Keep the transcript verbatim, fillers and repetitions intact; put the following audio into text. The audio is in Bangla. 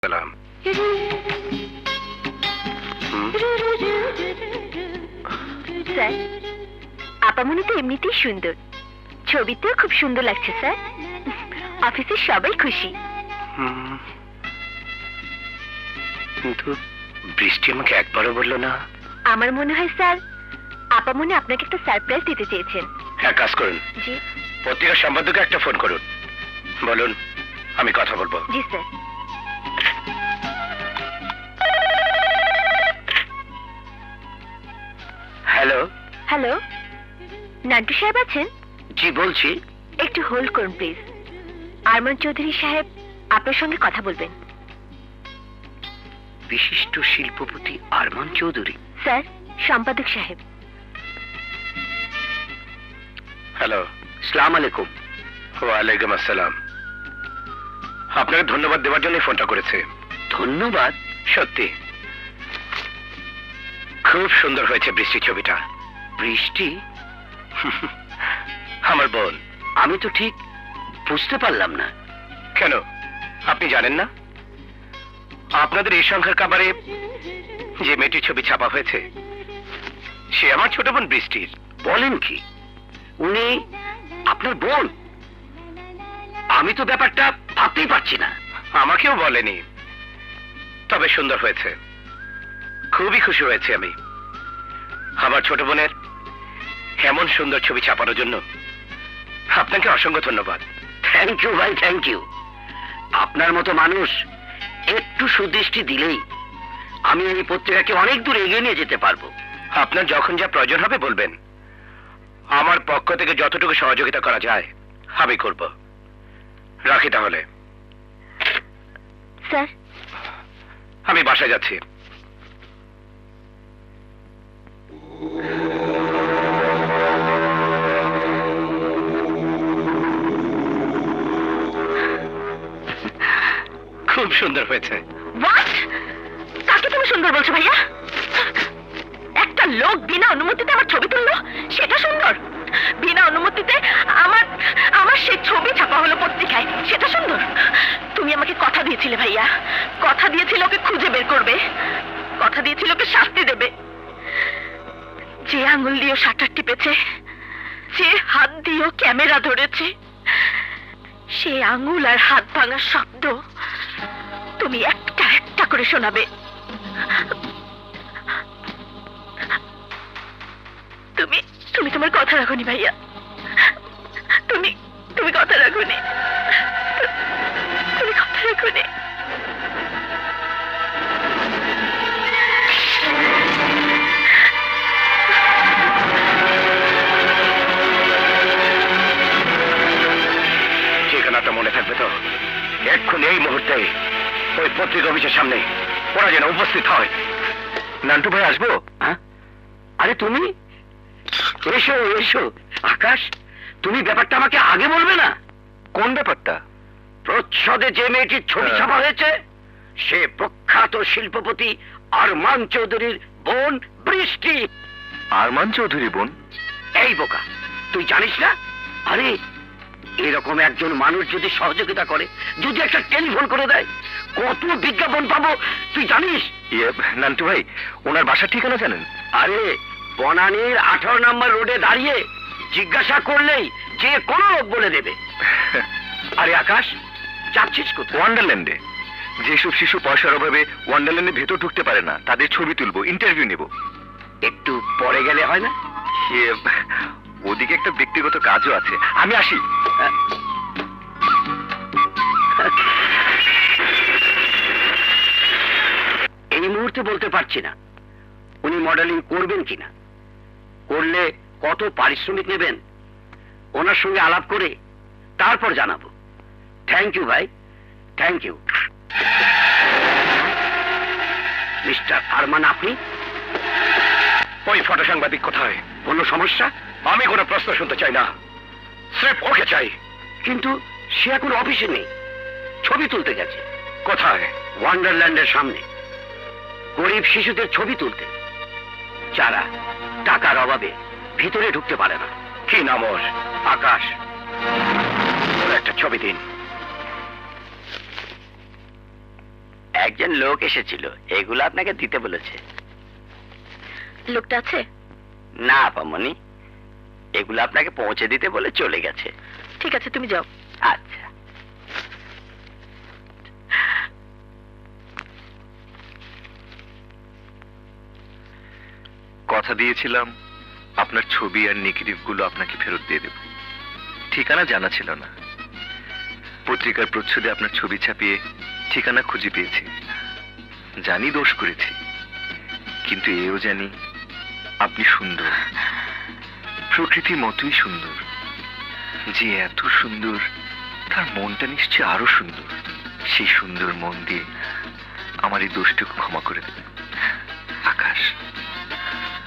সালাম। স্যার, আপামনি তো এমনিতেই সুন্দর, ছবিতেও খুব সুন্দর লাগছে স্যার। অফিসে সবাই খুশি। হুম, কিন্তু বৃষ্টি আমাকে একবারও বললো না। আমার মনে হয় স্যার, আপামনি আপনাকে একটা সারপ্রাইজ দিতে চেয়েছেন। এক কাজ করুন, জি পত্রিকার সম্পাদককে একটা ফোন করুন, বলুন আমি কথা বলবো। জি স্যার। হ্যালো। হ্যালো, নান্টু সাহেব আছেন? জি বলছি। একটু হোল্ড করুন প্লিজ। আরমান চৌধুরী সাহেব আপনার সঙ্গে কথা বলবেন। বিশিষ্ট শিল্পপতি আরমান চৌধুরী? স্যার, সম্পাদক সাহেব। হ্যালো, সালাম আলাইকুম। ওয়ালাইকুম আসসালাম। আপনাকে ধন্যবাদ দেওয়ার জন্য ফোনটা করেছে। ধন্যবাদ? সত্যি খুব সুন্দর হয়েছে বৃষ্টি ছবিটা। বৃষ্টি? আমার বোন। আমি তো ঠিক বুঝতে পারলাম না। কেন, আপনি জানেন না? আপনাদের এই সংখ্যার কাবারে যে মেয়েটির ছবি ছাপা হয়েছে সে আমার ছোট বোন বৃষ্টির। বলেন কি? উনি আপনার বোন? আমি তো ব্যাপারটা ভাবতেই পারছি না। আমাকেও বলেনি, তবে সুন্দর হয়েছে। খুবই খুশি হয়েছে আমি। আমার ছোট বোনের এমন সুন্দর ছবি ছাপানোর জন্য আপনাকে অসংখ্য ধন্যবাদ। থ্যাংক ইউ ভাই, থ্যাংক ইউ। আপনার মতো মানুষ একটু সুদৃষ্টি দিলেই আমি এই পত্রিকাকে অনেক দূর এগিয়ে নিয়ে যেতে পারবো। আপনার যখন যা প্রয়োজন হবে বলবেন, আমার পক্ষ থেকে যতটুকু সহযোগিতা করা যায় আমি করব। রাখি তাহলে। স্যার, আমি বাসায় যাচ্ছি। খুব সুন্দর হয়েছে। হোয়াট? কাকে তুমি সুন্দর বলছো ভাইয়া? একটা লোক বিনা অনুমতিতে আমার ছবি তুললো, সেটা সুন্দর? বিনা অনুমতিতে আমার আমার সেই ছবি ছাপা হলো পত্রিকায়, সেটা সুন্দর? তুমি আমাকে কথা দিয়েছিলে ভাইয়া, কথা দিয়েছিলে ওকে খুঁজে বের করবে, কথা দিয়েছিলে ওকে শাস্তি দেবে। যে আঙুল দিয়ে শাটার টিপেছে, যে হাত দিয়ে ক্যামেরা ধরেছে, সে আঙুল আর হাত ভাঙার শব্দ তুমি একটা একটা করে শোনাবে। তুমি তুমি তোমার কথা রাখোনি ভাইয়া, তুমি তুমি কথা রাখোনি, তুমি কথা রাখোনি। ঠিকানাটা মনে থাকবে তো? এক্ষুনি এই মুহূর্তে ওই পত্রিকা অফিসের সামনে ওরা যেন উপস্থিত হয়। নান্টু ভাই আসবো? হ্যাঁ, আরে তুমি এসো এসো। আকাশ, তুমি ব্যাপারটা আমাকে আগে বলবে না? কোন ব্যাপারটা? প্রচ্ছদে যে মেয়েটির ছবি ছাপা হয়েছে সে প্রখ্যাত শিল্পপতি আরমান চৌধুরীর বোন বৃষ্টি। আরমান চৌধুরী বোন? এই বোকা, তুই জানিস না? আরে এরকম একজন মানুষ যদি সহযোগিতা করে, যদি একটা টেলিফোন করে দেয়, কত বিজ্ঞাপন পাবো তুই জানিস? নান্টু ভাই, ওনার বাসার ঠিকানা জানেন? আরে বনানীর আঠারো নম্বর রোডে দাঁড়িয়ে জিজ্ঞাসা করলেই যে কোনো লোক বলে দেবে। আরে আকাশ, যাচ্ছিস কোথায়? ওয়ান্ডারল্যান্ডে। যেসব শিশু পয়সার অভাবে ওয়ান্ডারল্যান্ডে ভেতর ঢুকতে পারে না, তাদের ছবি তুলবো, ইন্টারভিউ নেব। একটু পরে গেলে হয় না? ওদিকে একটা ব্যক্তিগত কাজও আছে, আমি আসি। এই মুহূর্তে বলতে পারছি না উনি মডেলিং করবেন কিনা, করলে কত পারিশ্রমিক নেবেন ওনার সঙ্গে আলাপ করে তারপর জানাবো। থ্যাংক ইউ ভাই, থ্যাংক ইউ। মিস্টার আরমান, আপনি? ওই ফটো সাংবাদিক কোথায়? কোনো সমস্যা? আমি কোনো প্রশ্ন শুনতে চাই না, স্রেফ ওকে চাই। কিন্তু সে এখন অফিসে নেই, ছবি তুলতে গেছে। কোথায়? ওয়ান্ডারল্যান্ডের সামনে, গরিব শিশুদের ছবি তুলতে, যারা টাকার অভাবে ভিতরে ঢুকতে পারে না। কি নাম ওর? আকাশ। ওর একটা ছবি দিন। একজন লোক এসেছিল, এগুলো আপনাকে দিতে বলেছে। লোকটা আছে? না আপামনি, এগুলো আপনাকে পৌঁছে দিতে বলে চলে গেছে। ঠিক আছে, তুমি যাও। আচ্ছা। কথা দিয়েছিলাম আপনার ছবি আর নেগেটিভ গুলো আপনাকে ফেরত দিয়ে দেব। ঠিকানা জানা ছিল না, পত্রিকার প্রচ্ছদে আপনার ছবি ছাপিয়ে ঠিকানা খুঁজে পেয়েছি। জানি দোষ করেছি, কিন্তু এও জানি আপনি সুন্দর, প্রকৃতির মতোই সুন্দর। যে এত সুন্দর তার মনটা নিশ্চয় আরো সুন্দর। সেই সুন্দর মন দিয়ে আমার এই দোষটুকু ক্ষমা করে দেবেন। আকাশ।